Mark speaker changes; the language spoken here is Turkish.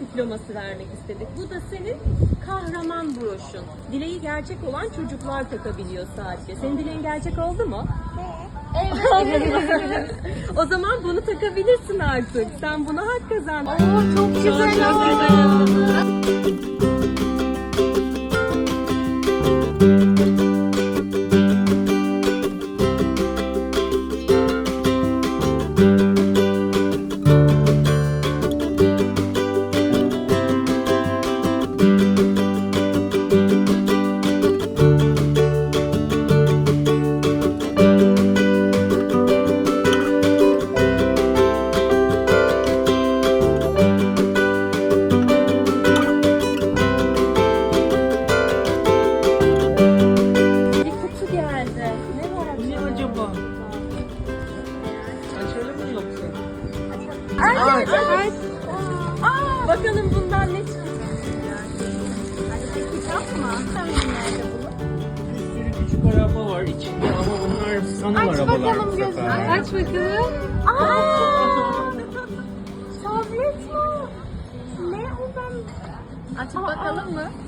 Speaker 1: diploması vermek istedik. Bu da senin kahraman broşun. Dileği gerçek olan çocuklar takabiliyor sadece. Senin dileğin gerçek oldu mu? Evet. O zaman bunu takabilirsin artık. Sen buna hak kazandın.
Speaker 2: Çok güzel oldu.
Speaker 1: Bir kutu geldi. Ne var acaba?
Speaker 3: Ne acaba? Açalım mı yoksa?
Speaker 1: Aç. Bakalım bundan ne çıkacak? Kitap mı?
Speaker 3: Bir sürü küçük araba var içinde ama bunlar sanal arabalar bu sefer.
Speaker 2: Aç bakalım.
Speaker 1: Tablet mi? Ne o ben? Açıp bakalım mı?